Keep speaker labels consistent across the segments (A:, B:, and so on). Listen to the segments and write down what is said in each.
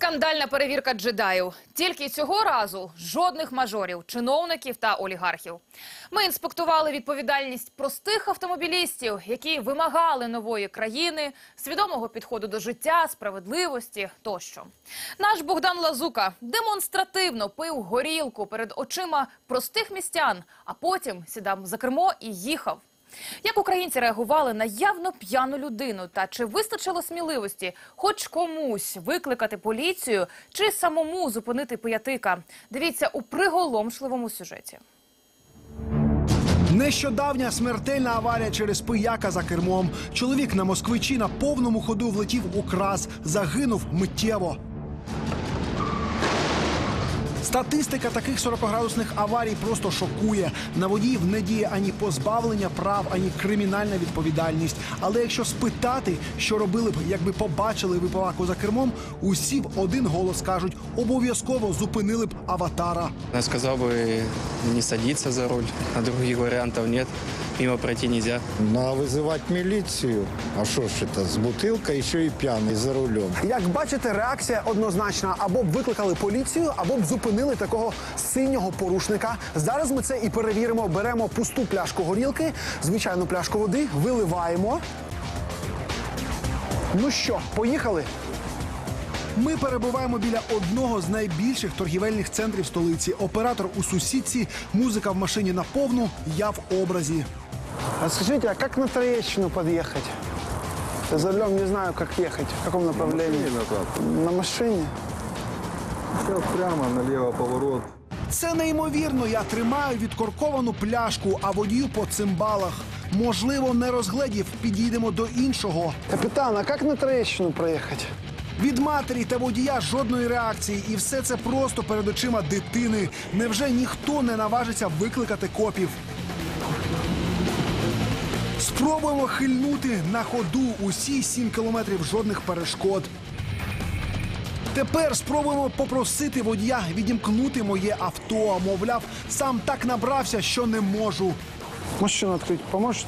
A: Скандальна перевірка джедаїв. Тільки цього разу жодних мажорів, чиновників та олігархів. Ми інспектували відповідальність простих автомобілістів, які вимагали нової країни, свідомого підходу до життя, справедливості тощо. Наш Богдан Лазука демонстративно пив горілку перед очима простих містян, а потім сідав за кермо і їхав. Як українці реагували на явно п'яну людину? Та чи вистачило сміливості хоч комусь викликати поліцію чи самому зупинити пиятика? Дивіться у приголомшливому сюжеті.
B: Нещодавня смертельна аварія через пияка за кермом. Чоловік на Москвичі на повному ходу влетів у крас. Загинув миттєво. Статистика таких 40-градусних аварій просто шокує. На водіїв не діє ані позбавлення прав, ані кримінальна відповідальність. Але якщо спитати, що робили б, якби побачили випиваку за кермом, усі в один голос кажуть, обов'язково зупинили б аватара.
C: Я сказал бы не садиться за руль, а других вариантов нет. Мимо пройти нельзя.
D: Надо вызывать милицию. А что ж это, с бутылкой еще и пьяный за рулем.
E: Як бачите, реакція однозначна. Або б викликали поліцію, або б зупинили такого синього порушника. Зараз ми це і перевіримо. Беремо пусту пляшку горілки, звичайну пляшку води, виливаємо. Ну що, поїхали?
B: Ми перебуваємо біля одного з найбільших торгівельних центрів столиці. Оператор у сусідці, музика в машині на повну, я в образі.
E: А скажите, а как на Троещину подъехать? Я за рулем не знаю, как ехать. В каком направлении? На машине?
F: Все прямо, налево поворот.
B: Це неймовірно. Я тримаю відкорковану пляшку, а водію по цимбалах. Можливо, не розгледів. Підійдемо до іншого.
E: Капитан, а как на Троещину проехать?
B: Від матері та водія жодної реакції. І все це просто перед очима дитини. Невже ніхто не наважиться викликати копів? Спробуємо хильнути на ходу. Усі 7 кілометрів, жодних перешкод. Тепер спробуємо попросити водія відімкнути моє авто. Мовляв, сам так набрався, що не можу.
E: Машину открыть поможете?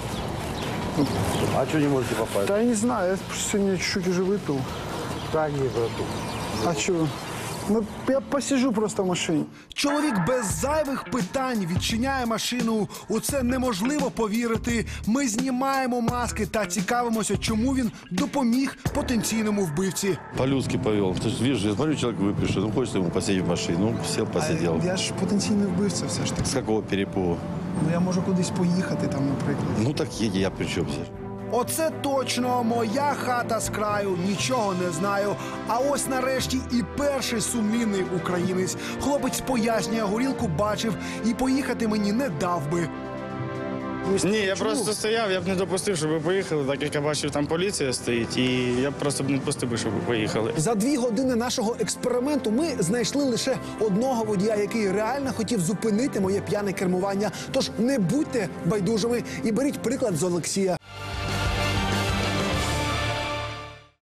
F: А что не можете попасть?
E: Да я не знаю, я сегодня чуть-чуть уже выпил.
F: Да не, брату.
E: А что? Ну, я посижу просто в машине.
B: Чоловік без зайвих питань відчиняє машину. У це неможливо повірити. Ми знімаємо маски та цікавимося, чому він допоміг потенційному вбивці.
G: По-людски повел. То есть, видишь, я смотрю, человек выпивший, ну, хочется ему посидеть в машину. Ну, сел, посидел.
B: Я ж потенційний вбивця все ж таки.
G: С какого перепугу?
B: Ну, я можу кудись поїхати там, наприклад.
G: Ну, так едь, я при чем здесь?
B: Оце точно моя хата з краю, нічого не знаю. А ось нарешті і перший сумлінний українець. Хлопець пояснює, горілку бачив і поїхати мені не дав би.
C: Ні, я просто стояв, я б не допустив, щоб ви поїхали, так як я бачив, там поліція стоїть, і я б просто б не допустив, щоб ви поїхали.
E: За 2 години нашого експерименту ми знайшли лише одного водія, який реально хотів зупинити моє п'яне кермування. Тож не будьте байдужими і беріть приклад з Олексія.